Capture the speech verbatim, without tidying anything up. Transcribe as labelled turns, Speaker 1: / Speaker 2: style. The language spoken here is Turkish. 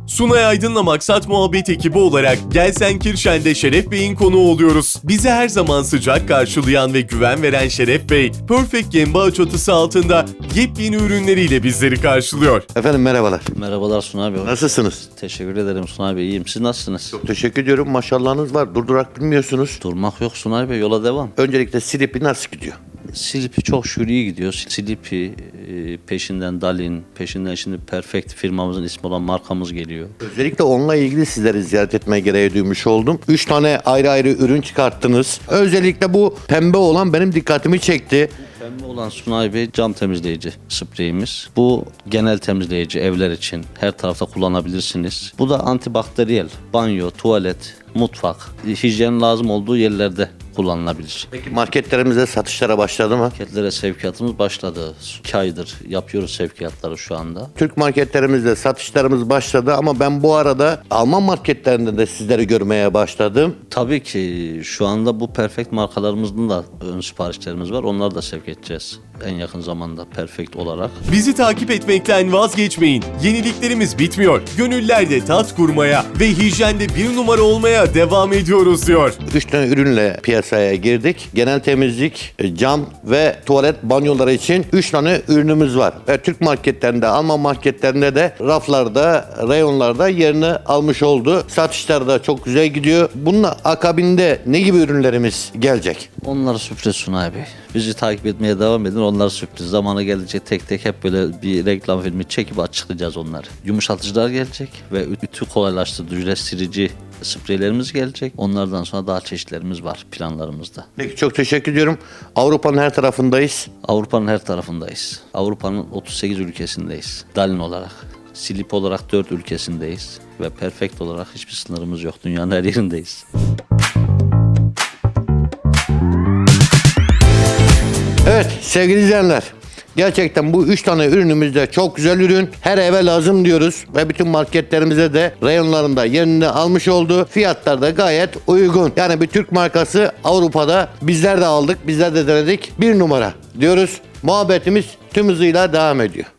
Speaker 1: Sunay Aydın'la Maksat Muhabbet ekibi olarak Gelsenkirchen'de Şeref Bey'in konuğu oluyoruz. Bizi her zaman sıcak karşılayan ve güven veren Şeref Bey, Perfect Gembao çatısı altında yepyeni ürünleriyle bizleri karşılıyor.
Speaker 2: Efendim merhabalar.
Speaker 3: Merhabalar Sunay Bey.
Speaker 2: Nasılsınız?
Speaker 3: Teşekkür ederim Sunay Bey. İyiyim. Siz nasılsınız?
Speaker 2: Çok teşekkür ediyorum. Maşallahınız var. Durdurak bilmiyorsunuz.
Speaker 3: Durmak yok Sunay Bey. Yola devam.
Speaker 2: Öncelikle Silipi nasıl gidiyor?
Speaker 3: Silipi çok şükür iyi gidiyor. Silipi e, peşinden Dalin, peşinden şimdi Perfect firmamızın ismi olan markamız geliyor.
Speaker 2: Özellikle onunla ilgili sizleri ziyaret etmeye gereği duymuş oldum. Üç tane ayrı ayrı ürün çıkarttınız. Özellikle bu pembe olan benim dikkatimi çekti.
Speaker 3: Pembe olan Sunay Bey cam temizleyici spreyimiz. Bu genel temizleyici evler için her tarafta kullanabilirsiniz. Bu da antibakteriyel. Banyo, tuvalet, mutfak, hijyen lazım olduğu yerlerde kullanılabilir.
Speaker 2: Peki marketlerimizde satışlara başladı mı?
Speaker 3: Marketlere sevkiyatımız başladı. iki aydır yapıyoruz sevkiyatları şu anda.
Speaker 2: Türk marketlerimizde satışlarımız başladı ama ben bu arada Alman marketlerinde de sizleri görmeye başladım.
Speaker 3: Tabii ki şu anda bu Perfect markalarımızın da ön siparişlerimiz var. Onları da sevk edeceğiz en yakın zamanda Perfect olarak.
Speaker 1: Bizi takip etmekten vazgeçmeyin. Yeniliklerimiz bitmiyor. Gönüllerde tat kurmaya ve hijyende bir numara olmaya devam ediyoruz diyor.
Speaker 2: Üç tane ürünle piyasaya girdik. Genel temizlik, cam ve tuvalet banyoları için üç tane ürünümüz var. Ve Türk marketlerinde, Alman marketlerinde de raflarda, reyonlarda yerini almış oldu. Satışlar da çok güzel gidiyor. Bunun akabinde ne gibi ürünlerimiz gelecek?
Speaker 3: Onlar sürpriz Sunay Bey. Bizi takip etmeye devam edin. Onlar sürpriz. Zamanı gelecek tek tek hep böyle bir reklam filmi çekip açıklayacağız onları. Yumuşatıcılar gelecek ve ütü kolaylaştırıcı, silici spreylerimiz gelecek. Onlardan sonra daha çeşitlerimiz var planlarımızda.
Speaker 2: Peki çok teşekkür ediyorum. Avrupa'nın her tarafındayız.
Speaker 3: Avrupa'nın her tarafındayız. Avrupa'nın otuz sekiz ülkesindeyiz. Dalin olarak. Silip olarak dört ülkesindeyiz. Ve Perfect olarak hiçbir sınırımız yok. Dünyanın her yerindeyiz.
Speaker 2: Evet sevgili izleyenler. Gerçekten bu üç tane ürünümüz de çok güzel ürün. Her eve lazım diyoruz ve bütün marketlerimize de reyonlarında yerini almış oldu. Fiyatlar da gayet uygun. Yani bir Türk markası Avrupa'da bizler de aldık, bizler de denedik. Bir numara diyoruz. Muhabbetimiz tüm hızıyla devam ediyor.